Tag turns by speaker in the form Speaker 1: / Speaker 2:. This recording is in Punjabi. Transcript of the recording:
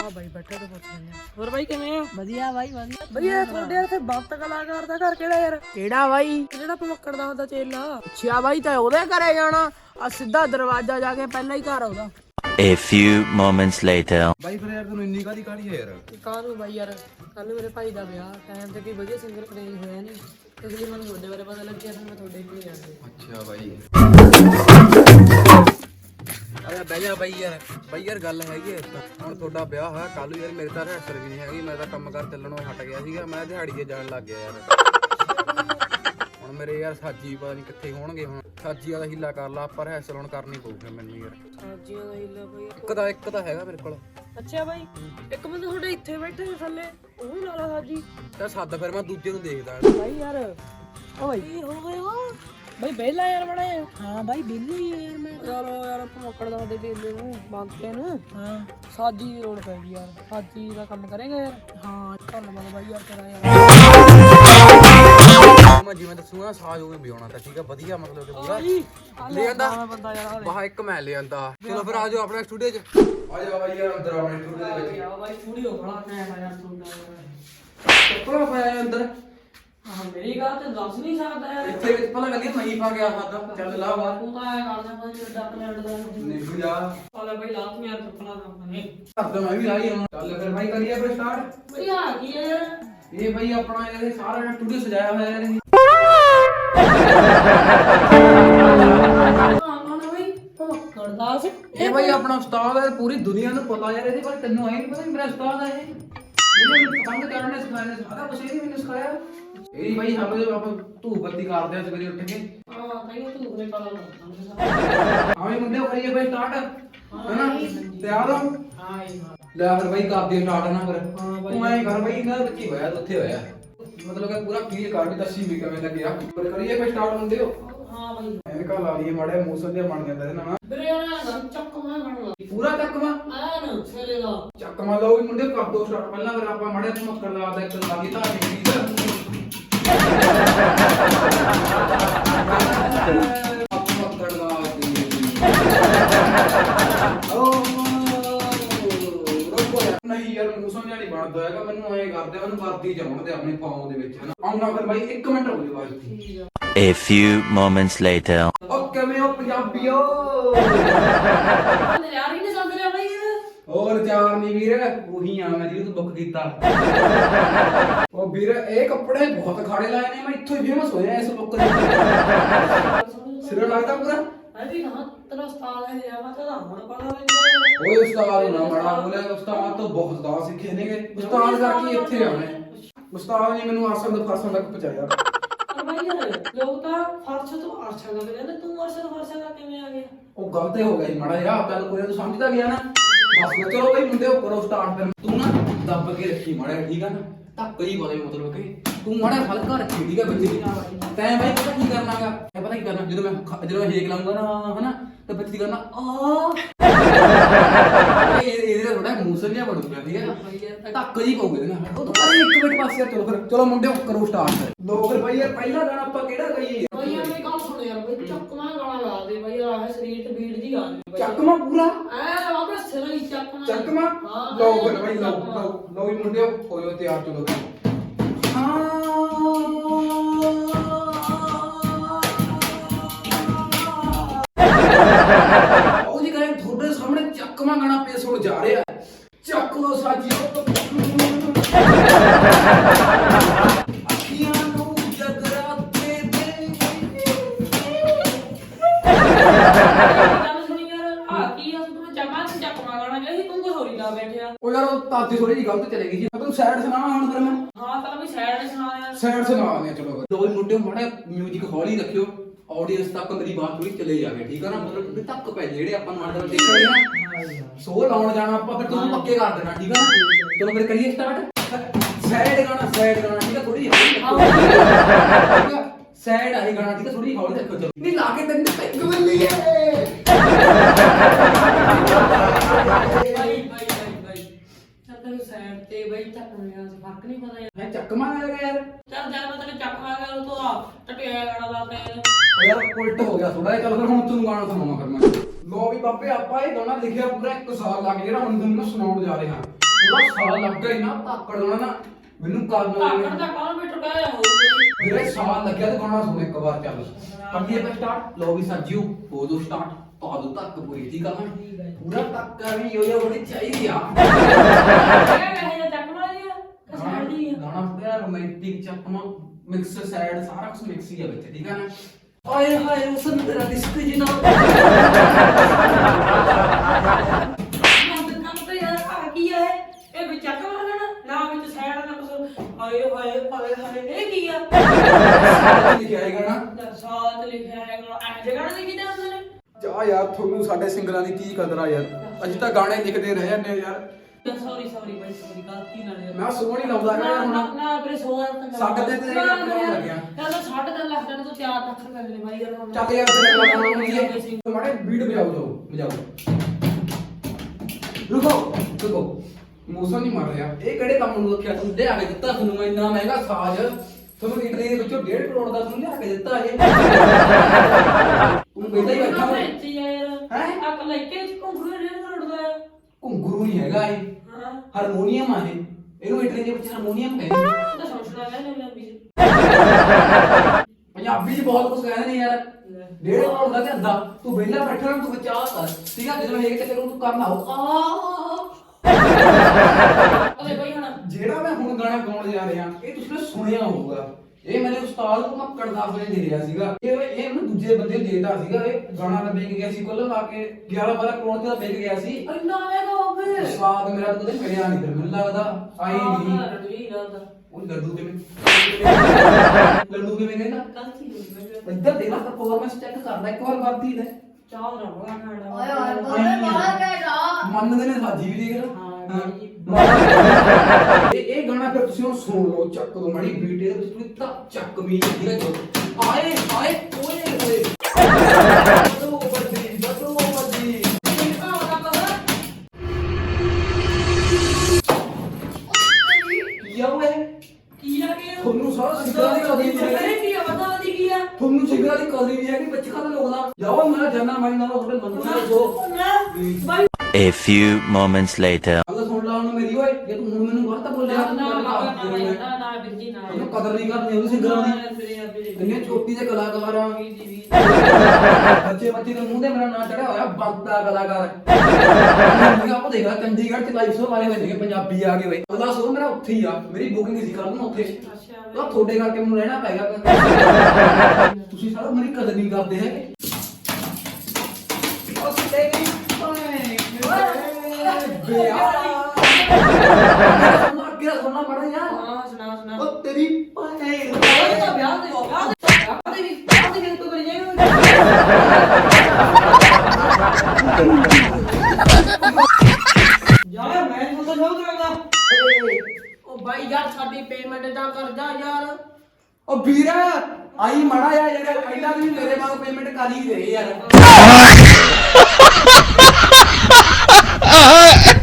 Speaker 1: ਬਾਈ ਬੈਠੇ ਤੇ ਪੁੱਛ ਲੈਂਦੇ ਆ। ਹੋਰ ਬਾਈ ਕਿਵੇਂ ਆ?
Speaker 2: ਵਧੀਆ ਬਾਈ ਵਧੀਆ।
Speaker 1: ਬਈਆ ਤੁਹਾਡੇ ਇੱਥੇ ਬੰਤ ਕਲਾਕਾਰ ਦਾ ਘਰ ਕਿਹੜਾ ਯਾਰ?
Speaker 2: ਕਿਹੜਾ ਬਾਈ?
Speaker 1: ਜਿਹੜਾ ਭਮੱਕੜ ਦਾ ਹੁੰਦਾ ਚੇਲਾ।
Speaker 2: ਅੱਛਾ ਬਾਈ ਤਾਂ ਉਹਦੇ ਘਰੇ ਜਾਣਾ ਆ, ਸਿੱਧਾ ਦਰਵਾਜ਼ਾ ਜਾ ਕੇ ਪਹਿਲਾਂ ਹੀ ਘਰ ਉਹਦਾ।
Speaker 3: A few moments later.
Speaker 4: ਬਾਈ ਫਿਰ ਯਾਰ ਤੈਨੂੰ ਇੰਨੀ ਕਾਹਦੀ ਕਾਹਲੀ ਹੈ ਯਾਰ?
Speaker 1: ਕਾਹਨੂੰ ਬਾਈ ਯਾਰ, ਕੱਲ ਨੂੰ ਮੇਰੇ ਭਾਈ ਦਾ ਵਿਆਹ, ਟਾਈਮ ਤੇ ਕੋਈ ਵਧੀਆ ਸਿੰਗਰ ਅਰੇਂਜ ਹੋਇਆ ਨਹੀਂ, ਇਸ ਲਈ ਮੈਨੂੰ ਤੁਹਾਡੇ ਬਾਰੇ ਪਤਾ ਲੱਗਿਆ, ਫਿਰ ਮੈਂ ਤੁਹਾਡੇ ਕੋਲ ਜਾਣਾ।
Speaker 4: ਅੱਛਾ ਬਾਈ ਆਇਆ ਬਹਿ ਜਾ ਬਾਈ ਯਾਰ ਗੱਲ ਹੈਗੀ ਹੈ ਹੁਣ ਤੁਹਾਡਾ ਵਿਆਹ ਹੋਇਆ ਕੱਲ ਨੂੰ ਯਾਰ ਮੇਰੇ ਤਾਂ ਰਿਹਰਸਲ ਵੀ ਨਹੀਂ ਹੈਗੀ, ਮੈਂ ਤਾਂ ਕੰਮ ਕਰ ਚੱਲਣੋਂ ਹਟ ਗਿਆ ਸੀਗਾ, ਮੈਂ ਦਿਹਾੜੀ ਤੇ ਜਾਣ ਲੱਗ ਗਿਆ ਯਾਰ। ਹੁਣ ਮੇਰੇ ਯਾਰ ਸਾਜੀ ਪਤਾ ਨਹੀਂ ਕਿੱਥੇ ਹੋਣਗੇ, ਹੁਣ ਸਾਜੀ ਦਾ ਹੀਲਾ ਕਰ ਲਾ, ਪਰ ਰਿਹਰਸਲ ਹੁਣ ਕਰਨੀ ਪਊਗੀ ਮੈਨੂੰ ਯਾਰ।
Speaker 1: ਸਾਜੀਆਂ ਦਾ ਹਿੱਲਾ ਬਾਈ
Speaker 4: ਇੱਕ ਤਾਂ ਹੈਗਾ ਮੇਰੇ ਕੋਲ।
Speaker 1: ਅੱਛਾ ਬਾਈ, ਇੱਕ ਬੰਦਾ ਤੁਹਾਡੇ ਇੱਥੇ ਬੈਠੇ ਨੇ ਥੱਲੇ, ਉਹ ਵੀ ਲਾਲਾ ਸਾਜੀ।
Speaker 4: ਤਾਂ ਸੱਦ ਫਿਰ ਮੈਂ ਦੂਜੇ ਨੂੰ ਦੇਖਦਾ
Speaker 1: ਬਾਈ ਯਾਰ ਓ ਬਾਈ ਕੀ ਹੋ ਗਿਆ ਬਾਈ? ਵਿਹਲਾ ਯਾਰ ਬੜਾ।
Speaker 2: ਹਾਂ ਬਾਈ ਬਿੱਲੀ ਯਾਰ ਮੈਂ।
Speaker 1: ਚਲੋ ਯਾਰ ਭਮੱਕੜ ਦਾ ਦੇ ਚੇਲੇ ਨੂੰ ਬੰਤੇ ਨੂੰ
Speaker 2: ਹਾਂ
Speaker 1: ਸਾਜੀ ਦੀ ਲੋੜ ਪੈ ਗਈ ਯਾਰ, ਸਾਜੀ ਦਾ ਕੰਮ ਕਰੇਗਾ ਯਾਰ?
Speaker 2: ਹਾਂ
Speaker 1: ਧੰਨਵਾਦ ਬਾਈ ਯਾਰ ਤੇਰਾ ਯਾਰ।
Speaker 4: ਮੈਂ ਜਿਵੇਂ ਦੱਸੂਗਾ ਸਾਜ ਹੋਵੇ ਵਿਆਹਣਾ ਤਾਂ ਠੀਕ ਆ, ਵਧੀਆ ਮਤਲਬ ਕਿ ਪੂਰਾ
Speaker 1: ਬਾਈ
Speaker 4: ਲੈ ਆਂਦਾ
Speaker 1: ਬੰਦਾ ਯਾਰ।
Speaker 4: ਵਾਹ ਇੱਕ ਮੈਂ ਲੈ ਆਂਦਾ। ਚਲੋ ਫਿਰ ਆ ਜਾਓ ਆਪਣੇ ਸਟੂਡੀਓ 'ਚ। ਆ ਜਾ ਬਾਈ ਯਾਰ ਅੰਦਰ ਆਪਣੇ ਸਟੂਡੀਓ ਦੇ ਵਿੱਚ।
Speaker 1: ਆ ਬਾਈ ਸਟੂਡੀਓ ਬੜਾ ਘੈਂਟ ਆ ਯਾਰ ਤੁਹਾਡਾ।
Speaker 4: ਚੱਪਲਾਂ ਪਾਇਆ ਅੰਦਰ
Speaker 1: ਹਾਂ ਮੇਰੀ ਗੱਲ ਤੇ ਦੱਸ ਨਹੀਂ ਸਕਦਾ ਯਾਰ।
Speaker 4: ਇੱਥੇ ਵਿੱਚ ਪਹਿਲਾਂ ਕਹਿੰਦੀ ਮੈਂ ਹੀ ਪਾ ਗਿਆ ਹੱਥ, ਚੱਲ ਲਾ ਬਾਹਰ।
Speaker 1: ਤੂੰ ਤਾਂ ਐ ਕਰਦਾ ਕੋਈ ਡੱਕ ਲੈਂਡ ਦਾ
Speaker 4: ਨਿਕਲ ਜਾ
Speaker 1: ਸਾਲਾ ਬਾਈ ਲਾਤ ਯਾਰ ਚੱਪਲਾਂ ਦਾ ਨਹੀਂ।
Speaker 4: ਹੱਥ ਮੈਂ ਵੀ ਲਾਈ ਹੁਣ। ਚੱਲ ਫਿਰ ਭਾਈ ਕਰੀਏ ਫਿਰ ਸਟਾਰਟ।
Speaker 1: ਬਈ ਆ ਕੀ ਹੈ ਯਾਰ?
Speaker 4: ਇਹ ਭਾਈ ਆਪਣਾ ਇਹ ਸਾਰਾ ਸਟੂਡੀਓ ਸਜਾਇਆ ਹੋਇਆ ਹੈ। ਇਹ ਭਾਈ ਆਪਣਾ ਉਸਤਾਦ ਹੈ, ਪੂਰੀ ਦੁਨੀਆ ਨੂੰ ਪਤਾ ਯਾਰ ਇਹਦੇ ਬਾਰੇ, ਤੈਨੂੰ ਆਏ ਨਹੀਂ ਪਤਾ ਮੇਰਾ ਉਸਤਾਦ ਹੈ ਇਹ। ਇਹਨੇ ਪਤੰਗ ਕਰਨੇ ਸਿਖਾਏ, ਸਾਰਾ ਕੁਝ ਇਹਨੇ ਮੈਨੂੰ ਸਿਖਾਇਆ। ਇਹ ਭਾਈ ਹਮ ਜੋ ਆਪਾਂ ਧੂਪ ਬੱਤੀ ਕਰਦੇ ਆ ਸਵੇਰੇ ਉੱਠ ਕੇ।
Speaker 1: ਹਾਂ ਤਾਈਓ ਤੂੰ ਨੇ ਕਾਲਾ ਲੱਗਦਾ।
Speaker 4: ਆਵੇਂ ਮੁੰਡੇ ਕਰੀਏ ਭਾਈ ਸਟਾਰਟ ਹੈਨਾ? ਤਿਆਰ ਹੋ?
Speaker 1: ਹਾਂ ਇਹ
Speaker 4: ਲੈ ਫਿਰ ਭਾਈ ਕਰਦੇ ਸਟਾਰਟ ਨਾ ਫਿਰ।
Speaker 1: ਹਾਂ ਬਾਈ।
Speaker 4: ਤੂੰ ਐਂ ਕਰ ਭਾਈ ਇਹਨਾਂ ਬੱਚੀ ਹੋਇਆ ਉੱਥੇ ਹੋਇਆ, ਮਤਲਬ ਕਿ ਪੂਰਾ ਫੀਲ ਕਰ ਵੀ ਦੱਸੀ ਵੀ ਕਿਵੇਂ ਲੱਗਿਆ। ਪਰ ਕਰੀਏ ਭਾਈ ਸਟਾਰਟ ਹੁੰਦੇ ਹੋ।
Speaker 1: ਹਾਂ ਬਾਈ
Speaker 4: ਐਨਕਾ ਲਾ ਲਈਏ ਮਾੜਾ ਮੌਸਮ ਜਿਹਾ ਬਣ ਜਾਂਦਾ ਇਹਦੇ ਨਾਲ।
Speaker 1: ਵੀਰੇ ਯਾਰ ਚੱਕ ਮੈਂ ਬਣਵਾ
Speaker 4: ਪੂਰਾ ਚੱਕਵਾ
Speaker 1: ਐਨ ਸਿਰੇ ਦਾ
Speaker 4: ਚੱਕਵਾ ਲਓ ਵੀ ਮੁੰਡੇ ਕਰ ਦੋ ਸਟਾਰਟ। ਪਹਿਲਾਂ ਫਿਰ ਆਪਾਂ ਮਾੜੇ ਤੋਂ ਮੱਕਰ ਲਾਦਾ ਇੱਕ ਲਾਗੀ ਤਾਂ ਨਹੀਂ ਮੱਕਰ ਲਾ ਨਹੀਂ ਯਾਰ ਮੌਸਮ ਜਿਹਾ ਨਹੀਂ ਬਣਦਾ ਹੈਗਾ, ਮੈਨੂੰ ਐਂ ਕਰਦੇ ਮੈਨੂੰ ਵਰਦੀ ਜਾਉਣ ਦੇ ਆਪਣੇ ਪਾਉਂ ਦੇ ਵਿੱਚ ਹਨਾ। ਆਉਣਾ ਫਿਰ ਬਾਈ 1 ਮਿੰਟ ਹੋ ਜਾਊਗਾ ਇੱਥੇ।
Speaker 3: A few moments later.
Speaker 4: ਓ ਕਿਵੇਂ ਹੋ ਪੰਜਾਬੀਓ?
Speaker 1: ਯਾਰ ਹੀ ਨਹੀਂ ਸਮਝ ਰਿਹਾ ਬਾਈ ਇਹ।
Speaker 4: ਹੋਰ ਚਾਰ ਨਹੀਂ ਵੀਰ, ਉਹੀ ਆ ਮੈਂ ਜਿਹਨੂੰ ਤੂੰ ਬੁੱਕ ਕੀਤਾ। ਉਹ ਵੀਰ ਇਹ ਕੱਪੜੇ ਬਹੁਤ ਖਾੜੇ ਲਾਏ ਨੇ, ਮੈਂ ਇੱਥੋਂ ਹੀ ਫੇਮਸ ਹੋਇਆ ਇਸ ਲੁੱਕ ਦੇ। ਸਿਰ ਲੱਗਦਾ ਪੂਰਾ।
Speaker 1: ਅਰੇ ਨਾ ਤੇਰਾ ਉਸਤਾਦ ਹੈ ਯਾਰ, ਮੈਂ ਤਾਂ ਹੁਣ ਪਤਾ ਲੱਗਿਆ।
Speaker 4: ਓਏ ਉਸਤਾਦ ਨਾ ਬੜਾ ਬੋਲੇ, ਉਸਤਾਦ ਤੋਂ ਬਹੁਤ ਦਾ ਸਿੱਖੇ ਨੇਗੇ। ਉਸਤਾਦ ਕਰਕੇ ਇੱਥੇ ਆਉਣੇ। ਉਸਤਾਦ ਨੇ ਮੈਨੂੰ ਆਸਨ ਤੋਂ ਫਾਸਨ ਤੱਕ ਪਹੁੰਚਾਇਆ।
Speaker 1: ਬਾਈ ਯਾਰ ਲੋਕ ਤਾਂ ਫਰਸ਼ ਤੋਂ ਅਰਸ਼ਾ ਲੱਗ ਜਾਂਦੇ, ਤੂੰ ਅਰਸ਼ਾ ਤੋਂ ਫਰਸ਼ਾ ਦਾ ਕਿਵੇਂ ਆ ਗਿਆ?
Speaker 4: ਉਹ ਗਲਤ ਹੋ ਗਿਆ ਮਾੜਾ ਜਿਹਾ, ਚੱਲ ਕੋਈ ਤੂੰ ਸਮਝਦਾ ਗਿਆ ਨਾ ਬਸ। ਚਲੋ ਬਈ ਮੁੰਡੇ ਕਰੋ ਸਟਾਰਟ ਫਿਰ। ਤੂੰ ਨਾ ਦੱਬ ਕੇ ਰੱਖੀ ਮਾੜਾ ਜਿਹਾ, ਠੀਕ ਆ ਨਾ? ਧੱਕ ਹੀ ਪਾਦੇ ਮਤਲਬ ਕਿ ਤੂੰ ਮਾੜਾ ਹਲਕਾ ਰੱਖੀ, ਠੀਕ ਆ ਬੱਚੇ ਦੀ। ਤੈਂ ਬਾਈ ਪਤਾ ਕੀ ਕਰਨਾਗਾ? ਇਹ ਪਤਾ ਕੀ ਕਰਨਾ, ਜਦੋਂ ਮੈਂ ਹੇਕ ਲਾਉਂਗਾ ਨਾ ਹਨਾ, ਤੇ ਬੱਚੇ ਦੀ ਕਰਨਾ ਆ ਇਹਦੇ ਨਾਲ ਥੋੜਾ ਮੂਸਲ ਜਿਹਾ ਬਣੂਗਾ, ਠੀਕ ਹੈ? ਧੱਕ ਜੀ ਪਊਗਾ ਇਹਦੇ ਨਾਲ। ਉਹ ਤਾਂ 1 ਮਿੰਟ ਪਾਸੇ ਚਲੋ ਫਿਰ। ਚਲੋ ਮੁੰਡੇ ਕਰੋ ਸਟਾਰਟ। ਲੋ ਫਿਰ ਬਾਈ ਯਾਰ ਪਹਿਲਾ ਗਾਣਾ ਆਪਾਂ ਕਿਹੜਾ ਗਾਈਏ?
Speaker 1: ਬਾਈ ਯਾਰ ਮੇਰੀ ਗੱਲ ਸੁਣ ਯਾਰ, ਬਾਈ ਚੱਕਮਾ ਗਾਣਾ ਲਾ ਦੇ ਬਾਈ, ਆਹ ਸਰੀਰ ਤੇ ਬੀਟ ਜੀ ਆ ਰਹੀ ਬਾਈ।
Speaker 4: ਚੱਕਮਾ ਪੂਰਾ
Speaker 1: ਐ ਆਪਣੇ ਸਿਰ ਹੀ ਚੱਕਮਾ।
Speaker 4: ਚੱਕਮਾ
Speaker 1: ਹਾਂ
Speaker 4: ਲਓ ਫਿਰ ਬਾਈ ਲਓ ਵੀ ਮੁੰਡਿਓ ਹੋਇਓ ਤਿਆਰ। ਚਲੋ ਉਹ ਜੀ ਕਰੇ ਤੁਹਾਡੇ ਸਾਹਮਣੇ ਚੱਕਮਾ ਗਾਣਾ ਪੇਸ਼ ਹੋਣ ਜਾ ਰਿਹਾ। ਚੱਕ ਲੋ ਸਾਜੀਓ ਅੱਖੀਆਂ ਨੂੰ ਜਗਰਾਤੇ ਦੇ।
Speaker 1: ਗੱਲ ਸੁਣੀ ਯਾਰ, ਆ ਕੀ ਆ ਤੂੰ ਚੱਕਮਾ ਗਾਣਾ ਗਿਆ ਸੀ, ਤੂੰ ਕੋਈ ਹੋਰੀ ਲਾ ਬੈਠਿਆ।
Speaker 4: ਉਹ ਯਾਰ ਉਹ ਤਾਦੀ ਥੋੜੀ ਜਿਹੀ ਗਲਤ ਚਲੇ ਗਈ ਸੀ। ਮੈਂ ਤੈਨੂੰ ਸਾਈਡ ਸੁਣਾਵਾਂ ਹੁਣ ਫਿਰ। ਮੈਂ
Speaker 1: ਹਾਂ ਤਾਂ ਵੀ ਸਾਈਡ ਨੇ ਸੁਣਾ ਯਾਰ।
Speaker 4: ਸਾਈਡ ਸੁਣਾਵਾਂਗੇ। ਚਲੋ ਦੋ ਮੁੰਡੇ ਮਾੜਾ ਮਿਊਜ਼ਿਕ ਹੌਲੀ ਰੱਖਿਓ, ਆਡੀਅנס ਤੱਕ ਮੇਰੀ ਬਾਤ ਥੋੜੀ ਚਲੇ ਜਾਵੇ, ਠੀਕ ਆ ਨਾ? ਮਤਲਬ ਕਿ ਤੱਕ ਪੈ ਜਿਹੜੇ ਆਪਾਂ ਨੂੰ ਮਾੜਾ ਦੇਖਣੇ ਆ ਸੋ ਲਾਉਣ ਜਾਣਾ ਆਪਾਂ, ਫਿਰ ਤੁਹਾਨੂੰ ਪੱਕੇ ਕਰ ਦੇਣਾ, ਠੀਕ ਆ ਨਾ? ਚਲੋ ਫਿਰ ਕਰੀਏ ਸਟਾਰਟ। ਸਾਈਡ ਗਾਣਾ ਠੀਕ ਆ, ਥੋੜੀ ਹੌਲੀ ਰੱਖੋ। ਸਾਈਡ ਆਹੀ ਗਾਣਾ ਠੀਕ ਆ, ਥੋੜੀ ਹੌਲੀ ਰੱਖੋ। ਚਲੋ ਨਹੀਂ ਲਾ ਕੇ ਤੈਨੂੰ ਇੱਕ ਬੱਲੀ ਹੈ।
Speaker 1: ਚੱਲ ਸਾਈਡ ਤੇ ਬਾਈ ਚੱਕਮਾ ਦਾ ਫਰਕ ਨਹੀਂ ਪਤਾ ਯਾਰ।
Speaker 4: ਮੈਂ ਚੱਕਮਾ ਆ ਗਿਆ ਯਾਰ।
Speaker 1: ਚੱਲ ਜਦ ਮੈਂ ਤੈਨੂੰ ਚੱਕਮਾ ਗਿਆ ਉਹ ਤੋਂ ਆ ਟਟਿਆ ਗਾਣਾ ਲਾ ਪਿਆ।
Speaker 4: ਉਹ ਯਾਰ ਉਲਟ ਹੋ ਗਿਆ ਥੋੜਾ ਜਿਹਾ। ਚਲ ਫਿਰ ਹੁਣ ਤੁਹਾਨੂੰ ਗਾਣਾ ਸੁਣਾਵਾਂ ਫਿਰ ਮੈਂ। ਲੋ ਵੀ ਬਾਬੇ ਆਪਾਂ ਇਹ ਗਾਣਾ ਲਿਖਿਆ ਪੂਰਾ 1 ਸਾਲ ਲੱਗ, ਜਿਹੜਾ ਹੁਣ ਤੁਹਾਨੂੰ ਮੈਂ ਸੁਣਾਉਣ ਜਾ ਰਿਹਾ। ਪੂਰਾ ਸਾਲ ਲੱਗ ਗਿਆ ਨਾ ਧਾਕੜ ਲਾਉਣਾ ਨਾ ਮੈਨੂੰ ਕਰਨ
Speaker 1: ਧਾਕੜ ਦਾ ਕੌਣ ਵੀ ਟੁਕਾਇਆ ਹੋਊਗਾ
Speaker 4: ਮੇਰੇ ਸਾਲ ਲੱਗਿਆ ਤੇ ਗਾਣਾ ਸੁਣ ਇੱਕ ਵਾਰ ਚੱਲ ਕਰੀਏ ਪੇ ਸਟਾਰਟ ਲੋ ਵੀ ਸਾਜੀਓ ਹੋ ਦੋ ਸਟਾਰਟ ਪਾ ਦੋ ਤੱਕ ਪੂਰੀ ਠੀਕ ਆ ਪੂਰਾ ਤੱਕ ਵੀ ਯੋ ਬੜੀ ਚਾਹੀਦੀ ਆ ਗਾਣਾ ਪੂਰਾ ਰੋਮਾਂਟਿਕ ਚੱਪਣਾ ਮਿਕਸ ਸੈਡ ਸਾਰਾ ਕੁਝ ਮਿਕਸ ਹੀ ਆ ਵਿੱਚ ਠੀਕ ਆ ਨਾ ਓਏ ਹਾਏ ਉਸ ਨੂੰ ਤੇਰਾ ਰਿਸ਼ਕ ਜਿਨਾ
Speaker 1: ਕੰਮ ਤੇ ਯਾਰ ਆ ਕੀ ਹੈ ਇਹ ਵਿੱਚ ਚੱਕ ਮਾਰਨਾ ਨਾ ਵਿੱਚ ਸਾਈਡ ਨਾ ਕੁਛ ਹਾਏ ਹਾਏ ਹਾਏ ਹਾਏ ਇਹ ਕੀ ਆ
Speaker 4: ਲਿਖਿਆ ਹੈ ਗਾਣਾ
Speaker 1: ਸਾਥ ਲਿਖਿਆ ਹੈਗਾ ਐ ਜਗ੍ਹਾ ਤੇ ਕਿਹਦੇ ਹੁੰਦੇ ਨੇ
Speaker 4: ਜਾ ਯਾਰ ਤੁਹਾਨੂੰ ਸਾਡੇ ਸਿੰਗਰਾਂ ਦੀ ਕੀ ਕਦਰ ਆ ਯਾਰ ਅਸੀਂ ਤਾਂ ਗਾਣੇ ਲਿਖਦੇ ਰਹੇ ਨੇ ਯਾਰ
Speaker 1: ਸੌਰੀ ਬਾਈ ਸੌਰੀ ਗਲਤੀ ਨਾਲ ਯਾਰ
Speaker 4: ਮੈਂ ਸੋਹ ਨਹੀਂ ਲਾਉਂਦਾ ਯਾਰ ਹੁਣ
Speaker 1: ਨਾ ਵੀਰੇ ਸੋਹਣਾ ਤਾਂ
Speaker 4: ਸਾਡੇ ਤੇ ਲਾਉਣ ਲੱਗਿਆ
Speaker 1: ਕਹਿੰਦਾ 3.5 ਲੱਖ ਦਾ ਤੂੰ 4 ਲੱਖ ਕਰ ਲੈ ਬਾਈ ਯਾਰ ਹੁਣ
Speaker 4: ਚੱਲ ਯਾਰ ਤੇਰੇ ਨਾਲ ਲਾਉਣਾ ਮਾੜੇ ਬੀਟ ਵਜਾਓ ਰੁਕੋ ਮੌਸਮ ਨਹੀਂ ਮਰ ਰਿਹਾ ਇਹ ਕਿਹੜੇ ਕੰਮ ਨੂੰ ਰੱਖਿਆ ਤੂੰ ਲਿਆ ਕੇ ਦਿੱਤਾ ਤੁਹਾਨੂੰ ਮੈਂ ਇੰਨਾ ਮਹਿੰਗਾ ਸਾਜ਼ ਤੁਹਾਨੂੰ ਇਟਲੀ ਦੇ ਵਿੱਚੋਂ 1.5 ਕਰੋੜ ਦਾ ਤੁਹਾਨੂੰ ਲਿਆ ਕੇ ਦਿੱਤਾ ਇਹ ਤੂੰ ਬੇਟਾ ਹੀ ਬੈਠਾ ਹੋਇਆ
Speaker 1: ਹੈ ਆ ਲੈ ਕੇ ਘੁੰਗਰੂ ਨੇ ਰੋੜਦਾ ਆ
Speaker 4: ਘੁੰਗਰੂ ਨਹੀਂ ਹੈਗਾ ਇਹ
Speaker 1: ਹਾਂ
Speaker 4: ਹਾਰਮੋਨੀਅਮ ਆ ਇਹ ਇਹਨੂੰ ਇਟਲੀ ਦੇ ਵਿੱਚ ਹਾਰਮੋਨੀਅਮ ਕਹਿੰਦੇ ਨੇ
Speaker 1: ਤਾਂ ਸਮਝਣਾ ਲੈ ਲੈ ਪੰਜਾਬੀ
Speaker 4: ਪੰਜਾਬੀ ਚ ਬਹੁਤ ਕੁਝ ਕਹਿੰਦੇ ਨੇ ਯਾਰ 1.5 ਕਰੋੜ ਦਾ ਤੇ ਅੱਧਾ ਤੂੰ ਵਿਹਲਾ ਬੈਠਾ ਤੂੰ ਬਚਾ ਕਰ ਠੀਕ ਆ ਜਦੋਂ ਇਹ ਚੱਕਰ ਨੂੰ ਤੂੰ ਕਰਨਾ ਹੋ
Speaker 1: ਅਰੇ ਬਾਈ ਹੁਣ
Speaker 4: ਜਿਹੜਾ ਮੈਂ ਹੁਣ ਗਾਣਾ ਗਾਉਣ ਜਾ ਰਿਹਾ ਇਹ ਤੁਸੀਂ ਨੇ ਸੁਣਿਆ ਹੋਊਗਾ ਇਹ ਮੇਰੇ ਉਸਤਾਦ ਨੂੰ ਮੱਕੜ ਦਾ ਬਣੇ ਦੇ ਰਿਹਾ ਸੀਗਾ ਇਹ ਮੈਨੂੰ ਦੂਜੇ ਬੰਦੇ ਦੇਦਾ ਸੀਗਾ ਇਹ ਗਾਣਾ ਮੈਂ ਵੇਚ ਗਿਆ ਸੀ ਕੁੱਲ ਲਾ ਕੇ 11-12 ਕਰੋੜ ਦਾ ਵੇਚ ਗਿਆ ਸੀ
Speaker 1: ਇੰਨਾ ਵੇਗਾ ਹੋਵੇ
Speaker 4: ਸਵਾਦ ਮੇਰਾ ਤਾਂ ਕਦੇ ਮਿਲਿਆ ਨਹੀਂ ਫਿਰ ਮੈਨੂੰ ਲੱਗਦਾ ਆਈ ਨਹੀਂ
Speaker 1: ਰਣਵੀਰ ਦਾ
Speaker 4: ਉਹ ਲੱਡੂ ਕਿਵੇਂ ਕਹਿੰਦਾ
Speaker 1: ਕੰਸੀ ਨੂੰ
Speaker 4: ਇੱਧਰ ਦੇਖ ਲੈ ਪਰਫਾਰਮੈਂਸ ਚੈੱਕ ਕਰਦਾ ਇੱਕ ਵਾਰ ਵਰਤੀ ਲੈ
Speaker 1: ਚਾਹ ਨਾ ਹੋਗਾ ਖਾਣਾ
Speaker 5: ਓਏ ਓਏ ਬੋਲੇ ਬਾਹਰ ਬੈਠਾ
Speaker 4: ਮੰਨਦੇ ਨੇ ਸਾਜੀ ਵੀ ਦੇਖ ਲੈ ਇਹ ਗਾਣਾ ਫਿਰ ਤੁਸੀਂ ਹੁਣ ਸੁਣ ਲਓ ਚੱਕ ਦੋ ਮੜੀ ਬੀਟ ਇਹਦੇ ਵਿੱਚ ਪੂਰੀ ਤਾਂ ਚੱਕਵੀਂ ਠੀਕ ਹੈ ਜੋ ਆਏ ਆਏ ਓਏ ਓਏ ਬਦੋ ਬੱਦੀ ਯੋਏ
Speaker 1: ਕੀ ਆ ਗਿਆ
Speaker 4: ਤੁਹਾਨੂੰ ਸਾਰਾ ਸਿੱਧਾ ਦੀ ਕਦਰੀ ਨਹੀਂ ਹੈ
Speaker 1: ਕੀ ਆ ਬਤਾ ਦੀ ਕੀ ਆ
Speaker 4: ਤੁਹਾਨੂੰ ਸਿੱਧਾ ਦੀ ਕਦਰੀ ਨਹੀਂ ਹੈ ਕਿ ਬੱਚੇ ਖਾਦੇ ਲੋਕ ਦਾ ਜਾਓ ਮੇਰਾ ਜਨਾ ਮਾਰੀ ਨਾਲ ਉਹਦੇ ਮੰਨਣਾ ਦੇਖੋ
Speaker 1: ਬਾਈ
Speaker 3: A few moments later.
Speaker 4: ਗੱਲ ਸੁਣ ਲਾ ਹੁਣ ਮੇਰੀ ਓਏ ਜੇ ਤੂੰ ਹੁਣ ਮੈਨੂੰ ਗਲਤ ਬੋਲਿਆ
Speaker 1: ਨਾ ਨਾ ਬਿਰਜੀ ਨਾ
Speaker 4: ਉਹਨੂੰ ਕਦਰ ਨਹੀਂ ਕਰਨੀ ਉਹਦੀ ਸਿੰਗਰਾਂ ਦੀ ਇੰਨੇ ਛੋਟੀ ਦੇ ਕਲਾਕਾਰ ਆ ਬੱਚੇ ਦੇ ਮੂੰਹ ਤੇ ਮੇਰਾ ਨਾਂ ਚੜਿਆ ਹੋਇਆ ਬੰਦਾ ਕਲਾਕਾਰ ਮੈਂ ਆਪ ਦੇਖਾ ਚੰਡੀਗੜ੍ਹ ਚ ਲਾਈਵ ਸ਼ੋ ਵਾਲੇ ਹੋਏ ਨੇ ਪੰਜਾਬੀ ਆ ਗਏ ਓਏ ਅਗਲਾ ਸ਼ੋ ਮੇਰਾ ਉੱਥੇ ਹੀ ਆ ਮੇਰੀ ਬੁਕਿੰਗ ਸੀ ਕੱਲ ਨੂੰ ਉੱਥੇ ਤਾਂ ਤੁਹਾਡੇ ਕਰਕੇ ਮੈਨੂੰ ਰਹਿਣਾ ਪੈਗਾ ਤੁਸੀਂ ਸਾਰਾ ਮੇਰੀ ਕਦਰ ਨਹੀਂ ਕਰਦੇ ਹੈਗੇ ਉਸ ਤੇਰੀ ਸੁਣਨਾ ਪੜਾ ਯਾਰ
Speaker 1: ਹਾਂ ਸੁਣਾ
Speaker 4: ਉਹ ਤੇਰੀ ਭਾਣੇ
Speaker 1: ਉਹ ਤਾਂ ਵਿਆਹ ਦੇ ਵੀ ਕੋਈ ਕਰੀ ਜਾਏਗਾ ਯਾਰ ਮੈਂ ਤੁਹਾਨੂੰ ਸ਼ੋਅ ਕਰਾਂਗਾ
Speaker 2: ਉਹ ਬਾਈ ਯਾਰ ਸਾਡੀ ਪੇਮੈਂਟ ਤਾਂ ਕਰ ਜਾ ਯਾਰ
Speaker 4: ਉਹ ਵੀਰਾ ਆਈ ਮਾੜਾ ਯਾਰ ਪਹਿਲਾਂ ਵੀ ਮੇਰੇ ਨਾਲ ਪੇਮੈਂਟ ਕਰ ਹੀ ਦੇ ਯਾਰ